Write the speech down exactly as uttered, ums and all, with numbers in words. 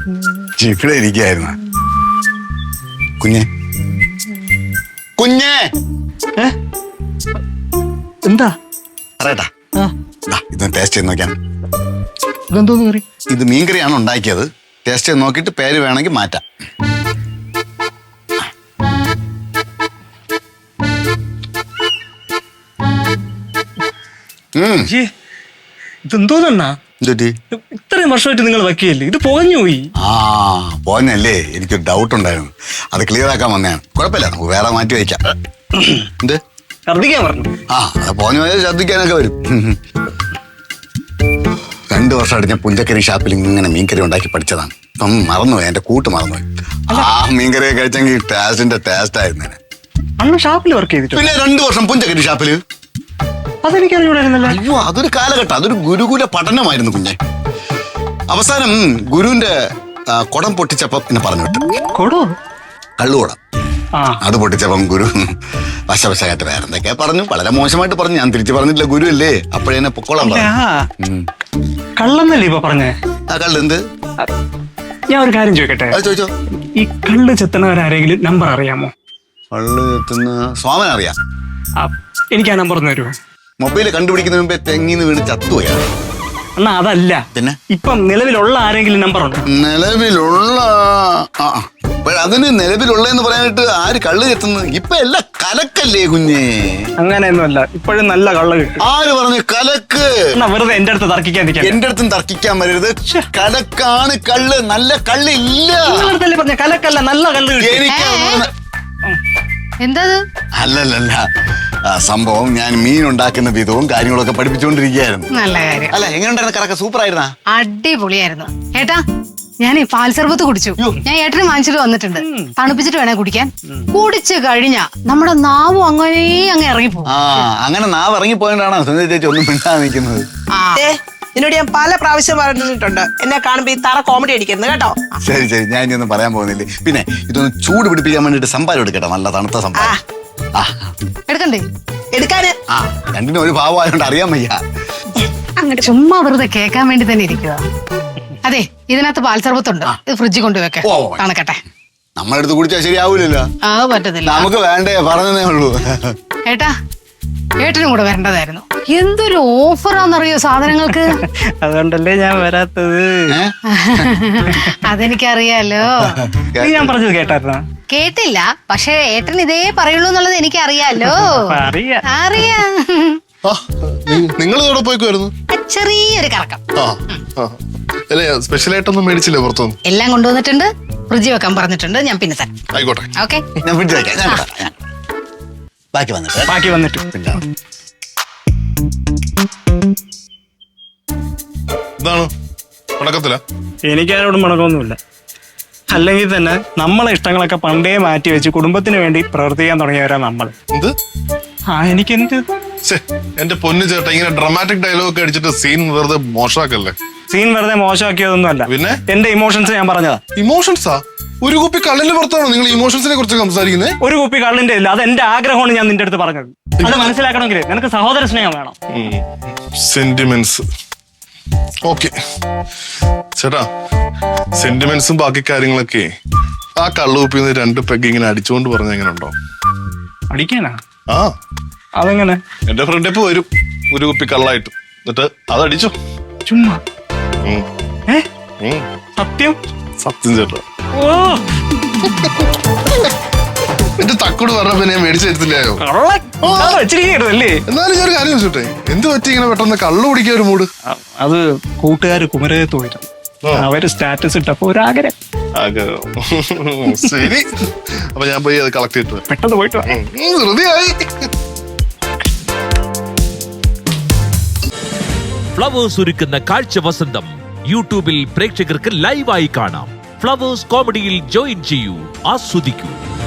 ഇവിടെ ഇരിക്കായിരുന്നു. കുഞ്ഞെ കുഞ്ഞെ എന്താ അറിയട്ടാ, ഇതൊന്ന് ടേസ്റ്റ് ചെയ്ത് നോക്കാം. ഇതെന്തോന്ന് കറി? ഇത് മീൻകറിയാണ് ഉണ്ടാക്കിയത്. ടേസ്റ്റ് ചെയ്ത് നോക്കിയിട്ട് പേര് വേണമെങ്കിൽ മാറ്റാം. ഇതെന്തോന്നാ? ഇത്രയും വർഷമായിട്ട് നിങ്ങൾ വയ്ക്കുകയല്ലേ, ഇത് പുകഞ്ഞു പോയി. ആ പോന്നല്ലേ, എനിക്കൊരു ഡൗട്ട് ഉണ്ടായിരുന്നു, അത് ക്ലിയർ ആക്കാൻ വന്നതാണ്. കുഴപ്പമില്ല, നമുക്ക് വേറെ മാറ്റി വയ്ക്കാം. എന്ത് ഛർദ്ദിക്കാൻ പറഞ്ഞു? ആ അത് പോഞ്ഞു പോയാൽ ഛർദ്ദിക്കാനൊക്കെ വരും. രണ്ടു വർഷമായിട്ട് ഞാൻ പുഞ്ചക്കരി ഷാപ്പിൽ ഇങ്ങനെ മീൻകറി ഉണ്ടാക്കി പഠിച്ചതാണ്. ഇപ്പം മറന്നുപോയി, എന്റെ കൂട്ട് മറന്നുപോയി. ആ മീൻകറിയെ കഴിച്ചെങ്കിൽ ടേസ്റ്റിന്റെ ടേസ്റ്റ് ആയിരുന്നു. അന്ന് ഷാപ്പിൽ വർക്ക് ചെയ്തിട്ട് പിന്നെ രണ്ടു വർഷം പുഞ്ചക്കരി ഷാപ്പില്. അതെനിക്കറിയൂടായിരുന്നല്ലോ. അയ്യോ, അതൊരു കാലഘട്ടം, അതൊരു ഗുരുകുല പഠനമായിരുന്നു കുഞ്ഞെ. അവസാനം ഗുരുവിന്റെ കുടം പൊട്ടിച്ചപ്പം എന്നെ പറഞ്ഞു വിട്ടു. കൊടോ? കള്ളുകുടം. അത് പൊട്ടിച്ചപ്പം ഗുരു വശവശായിട്ട് വേറെ എന്തൊക്കെയാ പറഞ്ഞു, വളരെ മോശമായിട്ട് പറഞ്ഞു. ഞാൻ തിരിച്ചു പറഞ്ഞിട്ടില്ല, ഗുരു അല്ലേ, അപ്പോഴെന്നെ പൊക്കോളാൻ പറഞ്ഞു. കള്ളന്നല്ലേ ഇപ്പൊ പറഞ്ഞേ? ആ കള്ള് എന്ത്? ഞാൻ ഒരു കാര്യം ചോദിക്കട്ടെ? ചോദിച്ചോ. ഈ കള്ള് ചെത്തണവരാരെങ്കിലും നമ്പർ അറിയാമോ? കള്ള് ചെത്തുന്ന സോമൻ അറിയാം. എനിക്ക് ആ നമ്പർ ഒന്ന് തരുമോ? മൊബൈല് കണ്ടുപിടിക്കുന്ന മുമ്പേ തെങ്ങിന്ന് വീണ് ചത്തുപോയാണ്. എന്നാ അതല്ല, പിന്നെ ഇപ്പം നിലവിലുള്ള ആരെങ്കിലും നമ്പർ ഉണ്ടോ? നിലവിലുള്ള അതിന് നിലവിലുള്ളതെന്ന് പറയാനായിട്ട് ആര് കള്ള് ചെത്തുന്നത്? ഇപ്പൊ എല്ലാം കലക്കല്ലേ കുഞ്ഞേ. അങ്ങനെയൊന്നുമല്ല, ഇപ്പോഴും നല്ല കള്ള് കിട്ടും. ആര് പറഞ്ഞു കലക്ക്? എന്നാ വെറുതെ എന്റെ അടുത്ത് തർക്കിക്കാൻ എന്റെ അടുത്തും തർക്കിക്കാൻ വരരുത്. കലക്കാണ് കള്ള്, നല്ല കള്ള് ഇല്ല. പറഞ്ഞ കലക്കല്ല, നല്ല കള്ള് കിട്ടും. എനിക്ക് എന്താ അല്ലല്ല, സംഭവം ഞാൻ മീൻ ഉണ്ടാക്കുന്ന വിധവും കാര്യങ്ങളൊക്കെ പഠിപ്പിച്ചുകൊണ്ടിരിക്കുകയായിരുന്നു. നല്ല കാര്യം. അല്ല, എങ്ങനെയുണ്ടായിരുന്നു? കറക്ക സൂപ്പർ ആയിരുന്നാ? അടിപൊളിയായിരുന്നു ഏട്ടാ. ഞാൻ പാൽ സർബത്ത് കുടിച്ചു. ഞാൻ ഏട്ടന് വാങ്ങിച്ചിട്ട് വന്നിട്ടുണ്ട്, തണുപ്പിച്ചിട്ട് വേണേ കുടിക്കാൻ. കുടിച്ചു കഴിഞ്ഞാ നമ്മുടെ നാവും അങ്ങനെ അങ്ങ് ഇറങ്ങിപ്പോ. ആ അങ്ങനെ നാവ് ഇറങ്ങിപ്പോയോണ്ടാണോ സുനിത ചേച്ചി ഒന്നും മിണ്ടാതെ നിൽക്കുന്നത്? നിന്നോട് ഞാൻ പല പ്രാവശ്യം പറഞ്ഞിട്ടുണ്ട്, എന്നെ കാണുമ്പോ ഈ തറ കോമഡി അടിക്കുന്നത് കേട്ടോ. ശരി ശരി, ഞാൻ ഇനി ഒന്നും പറയാൻ പോകുന്നില്ലേ. പിന്നെ ഇതൊന്ന് ചൂട് പിടിപ്പിക്കാൻ വേണ്ടിട്ട് സംഭാരം എടുക്കട്ടെ, നല്ല തണുത്ത സംഭാരം. എടുക്കണ്ടേ? എടുക്കാന് ആ രണ്ടിനും ഒരു ഭാവമായോണ്ട് അറിയാൻ വയ്യ. അങ്ങനെ ചുമ്മാ വെറുതെ കേൾക്കാൻ വേണ്ടി തന്നെ ഇരിക്കുക. അതെ, ഇതിനകത്ത് പാൽ സർബത്തുണ്ട്, ഇത് ഫ്രിഡ്ജിൽ കൊണ്ടുവെക്കെ തണുക്കട്ടെ. നമ്മളെടുത്ത് കുടിച്ചാൽ ശരിയാവൂലല്ലോ. ആ പറ്റത്തില്ല, നമുക്ക് വേണ്ടേ, പറഞ്ഞതേ ഉള്ളൂ. ഏട്ടാ ഏട്ടനും കൂടെ വരേണ്ടതായിരുന്നു. എന്തൊരു ഓഫറാന്നറിയോ സാധനങ്ങൾക്ക്. അതുകൊണ്ടല്ലേ ഞാൻ വരാത്തത്. അതെനിക്കറിയാലോ. ഞാൻ പറഞ്ഞത് കേട്ടായിരുന്നോ? കേട്ടില്ല, പക്ഷെ ഏട്ടൻ ഇതേ പറയുള്ളൂ എന്നുള്ളത് എനിക്കറിയാലോ. അറിയാം. നിങ്ങൾ ഇവിടെ പോയിക്കുമായിരുന്നു? ചെറിയൊരു കറക്കം. സ്പെഷ്യൽ ആയിട്ടൊന്നും മേടിച്ചില്ലേ പുറത്തൊന്നും? എല്ലാം കൊണ്ടുവന്നിട്ടുണ്ട്, ഫ്രിഡ്ജിൽ വെക്കാൻ പറഞ്ഞിട്ടുണ്ട്. ഞാൻ പിന്നെ തരാം. ആയിക്കോട്ടെ. ഓക്കെ, ഞാൻ ഫ്രിഡ്ജിൽ വെക്കാം. ബാക്കി വന്നിട്ട് ബാക്കി വന്നിട്ട് ഇതാണ് മുടക്കത്തില്ല. എനിക്കാരോടും മുടക്കമൊന്നുമില്ല. അല്ലെങ്കിൽ തന്നെ നമ്മളെ ഇഷ്ടങ്ങളൊക്കെ പണ്ടേ മാറ്റി വെച്ച് കുടുംബത്തിന് വേണ്ടി പ്രവർത്തിക്കാൻ തുടങ്ങിയവരാ നമ്മൾ. എന്ത്? ആ എനിക്കെന്ത്? എന്റെ പൊന്നു ചേട്ടാ, ഇങ്ങനെ ഡ്രാമാറ്റിക് ഡയലോഗ് ഒക്കെ അടിച്ചിട്ട് സീൻ വെറുതെ മോശമാക്കല്ലേ. സീൻ വെറുതെ മോശമാക്കിയതൊന്നും അല്ല, പിന്നെ എന്റെ ഇമോഷൻസ് ഞാൻ പറഞ്ഞതാ. ഇമോഷൻസാ? ഒരു കുപ്പി കള്ളിന്റെ പുറത്താണോ നിങ്ങൾ ഇമോഷൻസിനെ കുറിച്ച് സംസാരിക്കുന്നത്? ഒരു കുപ്പി കള്ളിന്റെ ഇല്ല, അത് എന്റെ ആഗ്രഹമാണ്. ഞാൻ നിന്റെ അടുത്ത് പറഞ്ഞത് അത് മനസ്സിലാക്കണമെങ്കിൽ നിനക്ക് സഹോദര സ്നേഹം വേണം. സെന്റിമെന്റ്സ്. ഓക്കെ ചേട്ടാ, സെന്റിമെന്റ്സും ബാക്കി കാര്യങ്ങളൊക്കെ ആ കള്ളുകുപ്പിന്ന് രണ്ട് പെഗ് ഇങ്ങനെ അടിച്ചുകൊണ്ട് പറഞ്ഞ എങ്ങനെ ഉണ്ടോ? അടിക്കാനാ? ആ അതെങ്ങനെ? എന്റെ ഫ്രണ്ട് ഇപ്പൊ വരും ഒരു കുപ്പി കള്ളായിട്ട്, എന്നിട്ട് അതടിച്ചു. ചുമ്മാ? സത്യം? സത്യം ചേട്ടാ. ഓ എന്റെ തക്കോട് പറഞ്ഞപ്പോ ഞാൻ മേടിച്ചു തരത്തില്ലായോ? വെച്ചിരിക്കല്ലേ? എന്നാലും ഞാൻ ഒരു കാര്യം ചോദിച്ചോട്ടെ, എന്ത് പറ്റി ഇങ്ങനെ പെട്ടെന്ന് കള്ളു കുടിക്കാൻ ഒരു മൂഡ്? അത് കൂട്ടുകാര് കുമരകത്ത് പോയിരുന്നു, അവര് സ്റ്റാറ്റസ് ഇട്ടപ്പോ ഒരാഗ്രഹം. ശരി, അപ്പൊ ഞാൻ പോയി അത് കളക്ട് ചെയ്തിട്ട് പെട്ടെന്ന് പോയിട്ട് ഹൃദയായി. ഫ്ലവേഴ്സ് ഒരുക്കുന്ന കാഴ്ച വസന്തം യൂട്യൂബിൽ പ്രേക്ഷകർക്ക് ലൈവായി കാണാം. ഫ്ലവേഴ്സ് കോമഡിയിൽ ജോയിൻ ചെയ്യൂ, ആസ്വദിക്കൂ.